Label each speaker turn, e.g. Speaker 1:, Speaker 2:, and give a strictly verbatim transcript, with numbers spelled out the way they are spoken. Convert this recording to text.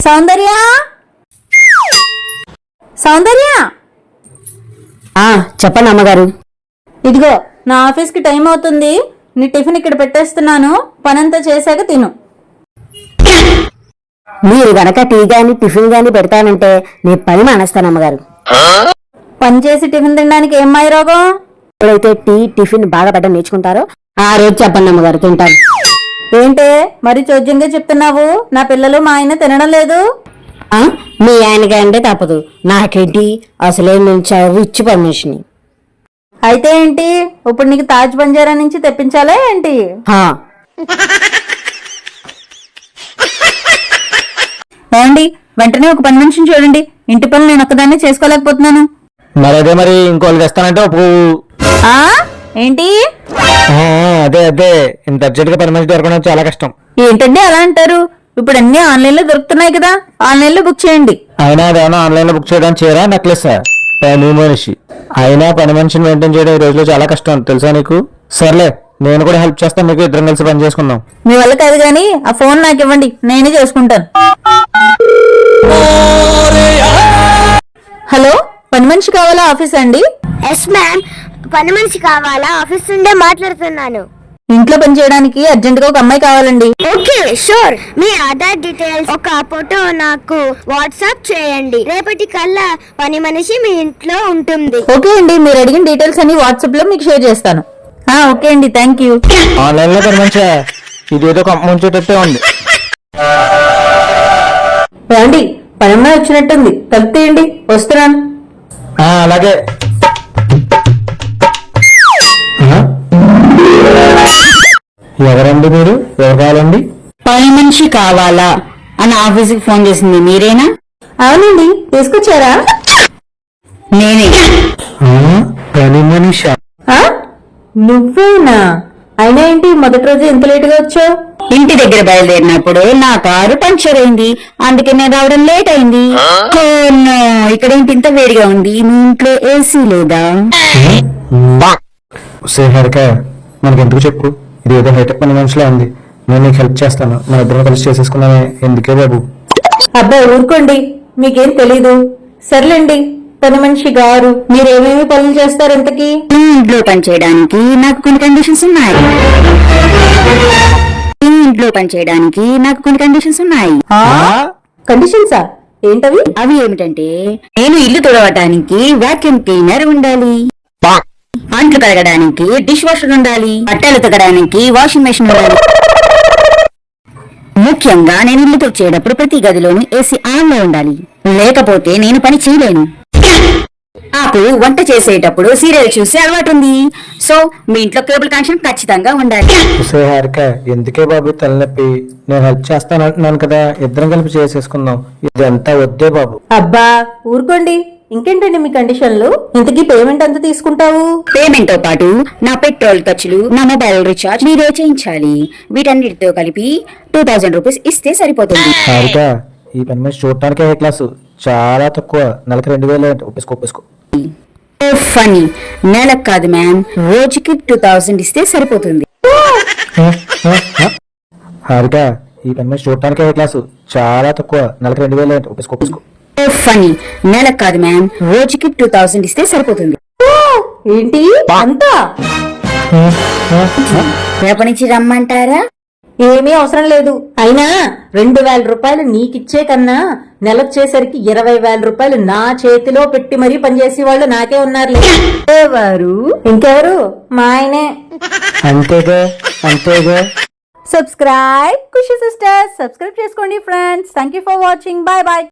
Speaker 1: సౌందర్య సౌందర్య
Speaker 2: ఆ చెప్పండి అమ్మగారు.
Speaker 1: ఇదిగో నా ఆఫీస్కి టైం అవుతుంది. నీ టిఫిన్ ఇక్కడ పెట్టేస్తున్నాను. పనంతా చేశాక తిను.
Speaker 2: మీరు గనక టీ గాని టిఫిన్ గాని పెడతానంటే నేను పని మానేస్తాను అమ్మగారు.
Speaker 1: పని చేసి టిఫిన్ తినడానికి ఏం మాయ రోగం?
Speaker 2: ఎప్పుడైతే టీ టిఫిన్ బాగా పెట్టడం నేర్చుకుంటారో ఆ రోజు చెప్పండి అమ్మగారు, తింటాను.
Speaker 1: ఏంటే మరి చోద్యంగా చెప్తున్నావు? నా పిల్లలు మా ఆయన తినడం లేదు.
Speaker 2: ఆ మీ ఆయనకి అంటే తప్పదు, నాకేంటి అసలే నేను చదువు ఇచ్చి పర్మిషన్.
Speaker 1: అయితే ఏంటి, ఇప్పుడు నీకు తాజ్ బంజారా నుంచి తెప్పించాలా ఏంటి? ఏమండి, వెంటనే ఒక పని మనిషిని చూడండి. ఇంటి పనులు నేను ఒక్కదాన్ని చేసుకోలేకపోతున్నాను.
Speaker 3: మరి అదే మరి ఇంకోళ్ళు తెస్తానంటే ఒప్పు.
Speaker 1: ఆ ఏంటి?
Speaker 3: అదే అదే ఇంత అర్జెంట్ గా పని మనిషి దొరకడం చాలా కష్టం.
Speaker 1: ఏంటండి అలా అంటారు? ఇప్పుడు అన్ని ఆన్లైన్ లో దొరుకుతున్నాయి కదా, ఆన్లైన్ లో బుక్ చేయండి.
Speaker 3: అయినా అదేమన్నా ఆన్లైన్ లో బుక్ చేయడం చీర నెక్లెస్ పని మనిషి అయినా పని మనిషిని మెయింటైన్ చేయడం ఈ రోజులో చాలా కష్టం తెలుసా నీకు? సర్లే నేను కూడా హెల్ప్ చేస్తాను, మీకు ఇద్దరం కలిసి పని చేసుకుందాం.
Speaker 1: మీ వల్ల కాదు గానీ ఆ ఫోన్ నాకు ఇవ్వండి, నేనే చేసుకుంటాను. హలో, పని మనిషి కావాలా ఆఫీస్ అండి?
Speaker 4: ఎస్ మ్యామ్, పని మనిషి కావాలా? ఆఫీస్ నుండే మాట్లాడుతున్నాను.
Speaker 1: ఇంట్లో పని చేయడానికి అర్జెంట్ గా ఒక అమ్మాయి కావాలండి.
Speaker 4: Okay sure. మీ ఆధార్ డీటెయిల్స్ ఒక ఫోటో నాకు వాట్సాప్ చేయండి. రేపటి కల్లా పని మనిషి మీ ఇంట్లో ఉంటుంది.
Speaker 1: ఓకే అండి, మీరు అడిగిన డీటెయిల్స్ అన్ని వాట్సాప్ లో మీకు షేర్ చేస్తాను. ఓకే అండి, థ్యాంక్ యూ.
Speaker 3: ఆన్లైన్ లో పని మనిషి ఇది ఏదో ముంచేటట్టే ఉంది.
Speaker 1: ఏమండి, పని అమ్మాయి వచ్చినట్టుంది, తలుపు తీయండి, వస్తున్నాను.
Speaker 3: అలాగే. ఎవరండి మీరు? ఎవరు కావాలండి?
Speaker 2: పని మనిషి కావాలా అని ఆఫీస్కి ఫోన్ చేసింది మీరేనా?
Speaker 1: అవునండి, తీసుకొచ్చారా?
Speaker 2: నేనే.
Speaker 3: పని మనిషి
Speaker 1: నువ్వేనా? అయినా ఏంటి మొదటి రోజు ఎంత లేట్ గా వచ్చావు?
Speaker 2: ఇంటి దగ్గర బయలుదేరినప్పుడు నా కారు పంక్చర్ అయింది, అందుకే నేను రావడం లేట్ అయింది. ఇక్కడ ఏంటి ఇంత వేడిగా ఉంది? మీ ఇంట్లో ఏసీ లేదా?
Speaker 3: మనకి ఎందుకు చెప్పు, ఇది ఏదో హైటెక్ పని మనిషిలో ఉంది. నేను నీకు హెల్ప్ చేస్తాను, మన ఇద్దరం కలిసి చేసేసుకున్నామే. ఎందుకే బాబు?
Speaker 1: అబ్బా ఊరుకోండి, మీకేం తెలీదు. సర్లేండి పని మనిషి గారు, మీరేమేమి పనులు చేస్తారు ఇంతకీ?
Speaker 2: ఈ ఇంట్లో పని చేయడానికి నాకు కొన్ని కండిషన్స్ ఉన్నాయి. ఈ ఇంట్లో పని చేయడానికి నాకు కొన్ని కండిషన్స్ ఉన్నాయి.
Speaker 1: కండిషన్సా? ఏంటవి?
Speaker 2: అవి ఏమిటంటే, నేను ఇల్లు తుడవటానికి వాక్యూమ్ క్లీనర్ ఉండాలి, అంట్లు కడగడానికి డిష్ వాషర్ ఉండాలి, బట్టలు ఉతకడానికి వాషింగ్ మెషిన్ ఉండాలి. ముఖ్యంగా నేను ఇల్లు తుడిచేటప్పుడు ప్రతి గదిలోనూ ఏసీ ఆన్ లో ఉండాలి, లేకపోతే నేను పని చేయలేను. నాకు వంట చేసేటప్పుడు సీరియల్ చూసి అలవాటు ఉంది, సో మీ ఇంట్లో కేబుల్ కనెక్షన్ ఖచ్చితంగా ఉండాలి.
Speaker 3: ఎందుకే బాబు తలనొప్పి? నేను హెల్ప్ చేస్తాను అంటున్నాను కదా, ఇద్దరం కలిపి చేసేసుకుందాం. ఇదంతా వద్దే బాబు.
Speaker 1: అబ్బా ఊరుకోండి, ఇంకేంటండి మీ కండిషన్లు? ఇంతకీ పేమెంట్ ఎంత తీసుకుంటావు?
Speaker 2: పేమెంట్ తో పాటు నా పెట్రోల్ ఖర్చులు, నా మొబైల్ రీఛార్జ్ మీరే చేయించాలి. వీటన్నిటితో కలిపి టూ థౌజండ్ రూపీస్ ఇస్తే సరిపోతుంది.
Speaker 3: ఈ పని మనిషి చూడటానికి ఏ క్లాసు, చాలా తక్కువ. నెలకి రెండు వేలు ఒప్పేసుకో ఒప్పేసుకో.
Speaker 2: ఫనీ, నెలకు కాదు మ్యామ్, రోజుకి టూ థౌజండ్ ఇస్తే సరిపోతుంది.
Speaker 3: హారిక, ఈ పని మనిషి చూడటానికి ఏ క్లాసు, చాలా తక్కువ. నెలకి రెండు వేలు ఒప్పేసుకో ఒప్పేసుకో.
Speaker 2: ఫనీ, నెలకు కాదు మ్యామ్, రోజుకి టూ థౌజండ్ ఇస్తే సరిపోతుంది.
Speaker 1: ఏంటి అంతా?
Speaker 2: రేపటి నుంచి రమ్మంటారా?
Speaker 1: ఏమీ అవసరం లేదు. అయినా రెండు వేల రూపాయలు నీకిచ్చే కన్నా నెలొచ్చేసరికి ఇరవై వేల రూపాయలు నా చేతిలో పెట్టి మరీ పనిచేసే వాళ్ళు నాకే ఉన్నారు. ఎవరు? ఇంకెవరు? మా ఆయనే.
Speaker 3: అంతేగా అంతేగా.
Speaker 1: సబ్స్క్రైబ్ ఖుషి సిస్టర్స్, సబ్స్క్రైబ్ చేసుకోండి friends. Thank you for watching. Bye bye.